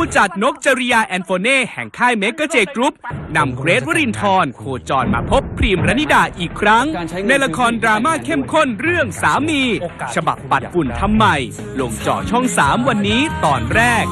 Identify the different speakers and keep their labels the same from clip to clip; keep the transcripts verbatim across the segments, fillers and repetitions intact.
Speaker 1: จัดนกจริยาแอนโฟเน่แห่งค่ายเมกะเจกรุ๊ปนำเกรทวรินทร์โคจรมาพบพรีมรณิดาอีกครั้งในละครดราม่าเข้มข้นเรื่องสามีฉบับปัดฝุ่นทำใหม่ลงจอช่องสามวันนี้ตอนแรก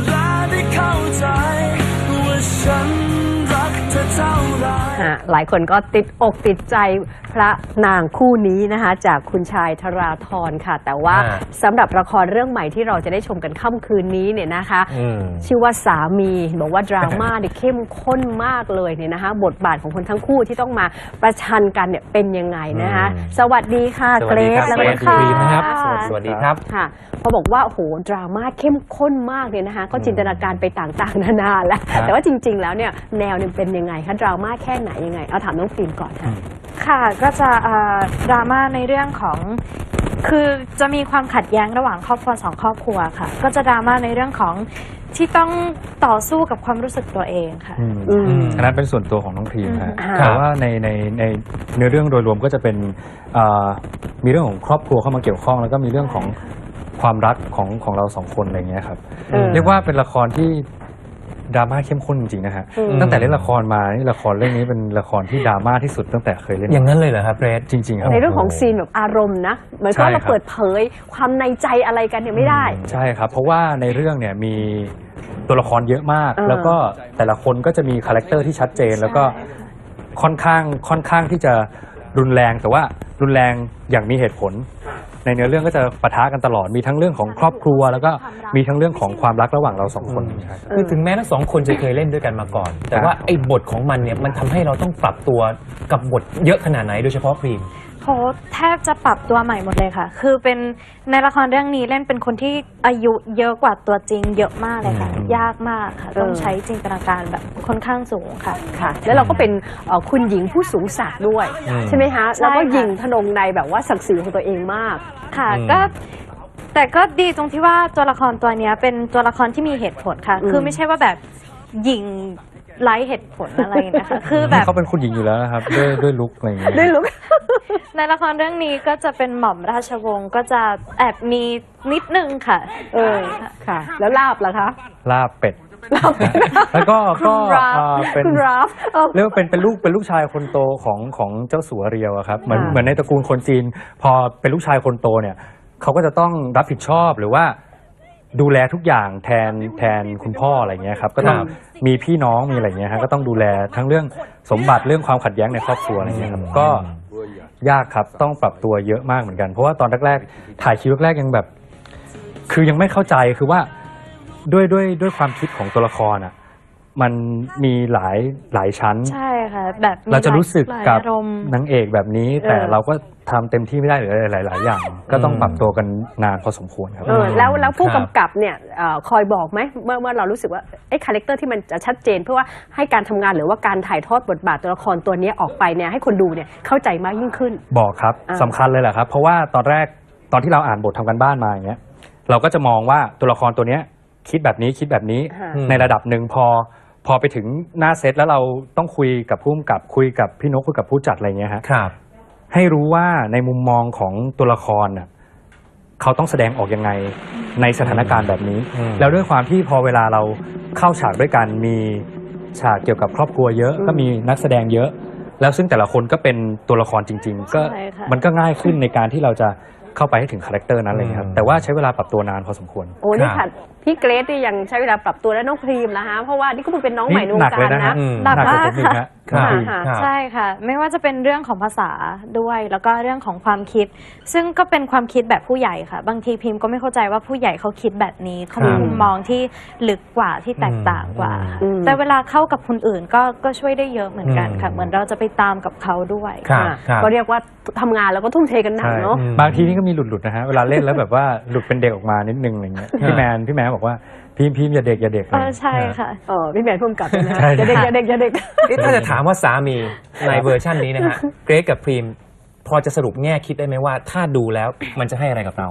Speaker 2: หลายคนก็ติดอกติดใจพระนางคู่นี้นะคะจากคุณชายธราธรค่ะแต่ว่าสำหรับละครเรื่องใหม่ที่เราจะได้ชมกันค่ำคืนนี้เนี่ยนะคะชื่อว่าสามีบอกว่าดราม่าเนี่ยเข้มข้นมากเลยเนี่ยนะคะบทบาทของคนทั้งคู่ที่ต้องมาประชันกันเนี่ยเป็นยังไงนะคะสวัสดีค่ะเกรซและคุณค่ะ
Speaker 3: สวัสดีครับ
Speaker 2: ค่ะพอบอกว่าโหดราม่าเข้มข้นมากเนี่ยนะคะก็จินตนาการไปต่างๆนานาแล้วแต่ว่าจริงๆแล้วเนี่ยแนวเนี่ยเป็นยังไงคะดราม่าแค่ไหนยังไงเอาถามน้องฟิล์มก่อนค่ะ
Speaker 4: ค่ะก็จะดราม่าในเรื่องของคือจะมีความขัดแย้งระหว่างครอบครัวสองครอบครัวค่ะก็จะดราม่าในเรื่องของที่ต้องต่อสู้กับความรู้สึกตัวเองค่ะ
Speaker 5: อันนั้นเป็นส่วนตัวของน้องพรีมครับแต่ว่าในในในเนื้อเรื่องโดยรวมก็จะเป็นมีเรื่องของครอบครัวเข้ามาเกี่ยวข้องแล้วก็มีเรื่องของความรักของของเราสองคนอะไรเงี้ยครับเรียกว่าเป็นละครที่ดราม่าเข้มข้นจริงๆนะฮะตั้งแต่เล่นละครมานี่ละครเรื่องนี้เป็นละครที่ดราม่าที่สุดตั้งแต่เคยเล่น
Speaker 3: อย่างนั้นเลยเหรอครับเกรซ
Speaker 5: จริงๆครับ
Speaker 2: ในเรื่องของซีนแบบอารมณ์นะเหมือนกับเราเปิดเผยความในใจอะไรกันเนี่ยไม่ได้
Speaker 5: ใช่ครับเพราะว่าในเรื่องเนี่ยมีตัวละครเยอะมากแล้วก็แต่ละคนก็จะมีคาแรคเตอร์ที่ชัดเจนแล้วก็ค่อนข้างค่อนข้างที่จะรุนแรงแต่ว่ารุนแรงอย่างมีเหตุผลในเนื้อเรื่องก็จะปะทะกันตลอดมีทั้งเรื่องของครอบครัวแล้วก็มีทั้งเรื่องของความรักระหว่างเราสองคน
Speaker 3: คือถึงแม้ทั้งสองคนจะเคยเล่นด้วยกันมาก่อนแต่ว่าไอ้บทของมันเนี่ยมันทำให้เราต้องปรับตัวกับบทเยอะขนาดไหนโดยเฉพาะพรีม
Speaker 4: โหแทบจะปรับตัวใหม่หมดเลยค่ะคือเป็นในละครเรื่องนี้เล่นเป็นคนที่อายุเยอะกว่าตัวจริงเยอะมากเลยค่ะยากมากค่ะต้องใช้จินตนาการแบบค่อนข้างสูงค่ะ
Speaker 2: ค่ะแล้วเราก็เป็นคุณหญิงผู้สูงศักดิ์ด้วยใช่ไหมคะแล้วก็หญิงทนงในแบบว่าศักดิ์ศรีของตัวเองมาก
Speaker 4: ค่ะก็แต่ก็ดีตรงที่ว่าตัวละครตัวนี้เป็นตัวละครที่มีเหตุผลค่ะคือไม่ใช่ว่าแบบหญิงไร้เหตุผลอะไรนะคะคือแบบ
Speaker 5: เขาเป็นคุณหญิงอยู่แล้วนะครับด้วยด้วยลุคอะไรอย่างเงี้ย
Speaker 2: ด้วยลุค
Speaker 4: ในละครเรื่องนี้ก็จะเป็นหม่อมราชวงศ์ก็จะแอบมีนิดนึงค่ะ
Speaker 2: เออค่ะแล้วลาบล่ะคะ
Speaker 5: ลาบเป็ดแล้วก็ก็เป็นเรียกว่าเป็นเป็นลูกเป็นลูกชายคนโตของของเจ้าสัวเรียวครับเหมือนเหมือนในตระกูลคนจีนพอเป็นลูกชายคนโตเนี่ยเขาก็จะต้องรับผิดชอบหรือว่าดูแลทุกอย่างแทนแทนคุณพ่ออะไรเงี้ยครับก็ต้องมีพี่น้องมีอะไรเงี้ยฮะก็ต้องดูแลทั้งเรื่องสมบัติเรื่องความขัดแย้งในครอบครัวอะไรเงี้ยครับก็ยากครับต้องปรับตัวเยอะมากเหมือนกันเพราะว่าตอนแรกๆถ่ายคิวแรกๆยังแบบคือยังไม่เข้าใจคือว่าด้วยด้วยด้วยความคิดของตัวละครอ่ะมันมีหลายหลายชั้น
Speaker 4: ใช่ค่ะแบบ
Speaker 5: เราจะรู้สึกกับนางเอกแบบนี้แต่เราก็ทำเต็มที่ไม่ได้หรือหลายๆอย่างก็ต้องปรับตัวกันนานพอสมควรครับ
Speaker 2: แล้วแล้วผู้กำกับเนี่ยคอยบอกไหมเมื่อเมื่อเรารู้สึกว่าไอ้คาแรคเตอร์ที่มันจะชัดเจนเพื่อว่าให้การทำงานหรือว่าการถ่ายทอดบทบาทตัวละครตัวนี้ออกไปเนี่ยให้คนดูเนี่ยเข้าใจมากยิ่งขึ้น
Speaker 5: บอกครับสำคัญเลยแหละครับเพราะว่าตอนแรกตอนที่เราอ่านบททำกันบ้านมาอย่างเงี้ยเราก็จะมองว่าตัวละครตัวเนี้ยคิดแบบนี้คิดแบบนี้ในระดับหนึ่งพอพอไปถึงหน้าเซตแล้วเราต้องคุยกับผู้กำกับคุยกับพี่นกคุยกับผู้จัดอะไรเงี้ยฮะให้รู้ว่าในมุมมองของตัวละครน่ะเขาต้องแสดงออกยังไงในสถานการณ์แบบนี้แล้วด้วยความที่พอเวลาเราเข้าฉากด้วยกันมีฉากเกี่ยวกับครอบครัวเยอะก็มีนักแสดงเยอะแล้วซึ่งแต่ละคนก็เป็นตัวละครจริงๆก็มันก็ง่ายขึ้นในการที่เราจะเข้าไปให้ถึงคาแรคเตอร์นั้นเลยครับแต่ว่าใช้เวลาปรับตัวนานพอสมควร
Speaker 2: โอ้นี่ค่ะพี่เกรซที่ยังใช้เวลาปรับตัวและน้องพรีมนะคะเพราะว่านี่ก็เป็นน้องใหม่ในวงการนะ
Speaker 4: หนักมากค่ะใช่ค่ะไม่ว่าจะเป็นเรื่องของภาษาด้วยแล้วก็เรื่องของความคิดซึ่งก็เป็นความคิดแบบผู้ใหญ่ค่ะบางทีพิมก็ไม่เข้าใจว่าผู้ใหญ่เขาคิดแบบนี้เขามีมุมมองที่ลึกกว่าที่แตกต่างกว่าแต่เวลาเข้ากับคนอื่นก็ก็ช่วยได้เยอะเหมือนกันค่ะเหมือนเราจะไปตามกับเขาด้วย
Speaker 2: ก็เรียกว่าทำงานแล้วก็ทุ่มเทกันหนักเนาะ
Speaker 5: บางทีนี่ก็มีหลุดๆนะฮะเวลาเล่นแล้วแบบว่าหลุดเป็นเด็กออกมานิดนึงอะไรเงี้ยพี่แมนพี่แมนบอกว่าพิมพิมอย่าเด็กอย่าเด็ก
Speaker 4: เลยใช่ค่ะ
Speaker 2: เออพี่แมนพุ่มกลับนะอย่าเด็กอย่าเด็กอย่าเด็ก
Speaker 3: ถ้าจะถามว่าสามีในเวอร์ชันนี้นะฮะเกรซกับพรีมพอจะสรุปแง่คิดได้ไหมว่าถ้าดูแล้วมันจะให้อะไรกับเรา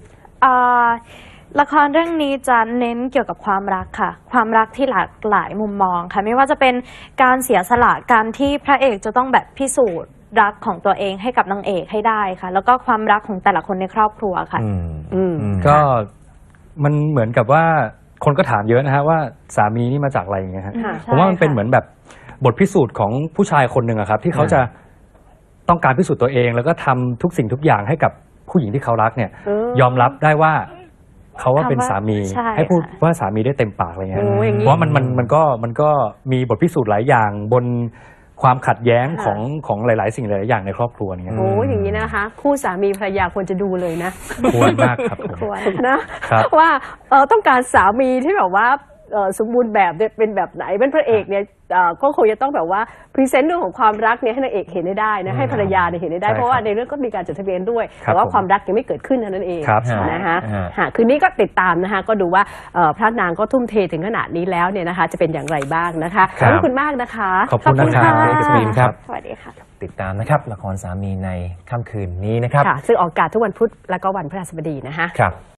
Speaker 4: ละครเรื่องนี้จะเน้นเกี่ยวกับความรักค่ะความรักที่หลากหลายมุมมองค่ะไม่ว่าจะเป็นการเสียสละการที่พระเอกจะต้องแบบพิสูจน์รักของตัวเองให้กับนางเอกให้ได้ค่ะแล้วก็ความรักของแต่ละคนในครอบครัวค่ะ
Speaker 5: ก็มันเหมือนกับว่าคนก็ถามเยอะนะฮะว่าสามีนี่มาจากอะไรอย่างเงี้ยฮะ
Speaker 2: ค่ะ
Speaker 5: ผมว่ามันเป็นเหมือนแบบบทพิสูจน์ของผู้ชายคนหนึ่งอะครับที่เขาจะต้องการพิสูจน์ตัวเอง แล้วก็ทำทุกสิ่งทุกอย่างให้กับผู้หญิงที่เขารักเนี่ย
Speaker 2: เออย
Speaker 5: อมรับได้ว่าเขาว่าเป็นสามี
Speaker 4: ใช่
Speaker 5: ให้พูด
Speaker 4: ค่ะ
Speaker 5: ว่าสามีได้เต็มปากอะไรเงี้ย
Speaker 2: โอ้อย่างนี้
Speaker 5: เพราะว่ามันมันมันก็มันก็มีบทพิสูจน์หลายอย่างบนความขัดแย้ง
Speaker 2: ค่ะ
Speaker 5: ของของหลาย ๆ สิ่งหลาย ๆ อย่างในครอบครัวเนี่ย
Speaker 2: โอ้อย่างนี้นะคะ คู่สามีภรรยาควรจะดูเลยนะ
Speaker 5: ควรมากครับผม
Speaker 4: ควร
Speaker 2: นะครับ ว่าเออต้องการสามีที่แบบว่าเอ่อสมบูรณ์แบบเนี่ยเป็นแบบไหนเป็นพระเอกเนี่ยเอ่อก็คงจะต้องแบบว่าพรีเซนต์เรื่องของความรักเนี่ยให้นางเอกเห็นได้นะให้ภรรยาเนี่ยเห็นได้
Speaker 5: ใช่
Speaker 2: เพราะว่า
Speaker 5: ครับ
Speaker 2: ในเรื่องก็มีการจดทะเบียนด้วย
Speaker 5: ครับ
Speaker 2: แต่ว่า
Speaker 5: ผม
Speaker 2: ความรักยังไม่เกิดขึ้นเท่านั้นเอง
Speaker 5: ครับ
Speaker 2: นะคะ
Speaker 3: ฮะ
Speaker 2: ฮะคืนนี้ก็ติดตามนะคะก็ดูว่าเอ่อพระนางก็ทุ่มเทถึงขนาดนี้แล้วเนี่ยนะคะจะเป็นอย่างไรบ้างนะคะ
Speaker 5: ครับ
Speaker 2: ขอบคุณมากนะคะ
Speaker 5: ขอบคุณนะครับ
Speaker 2: ขอบ
Speaker 3: เอกสมินครับ
Speaker 4: สวัสดีค่ะ
Speaker 3: ติดตามนะครับละครสามีในค่ำคืนนี้นะครับ
Speaker 2: ค่ะซึ่งออกอากาศทุกวันพุธและก็วันพฤหัสบดีนะคะ
Speaker 3: ครับ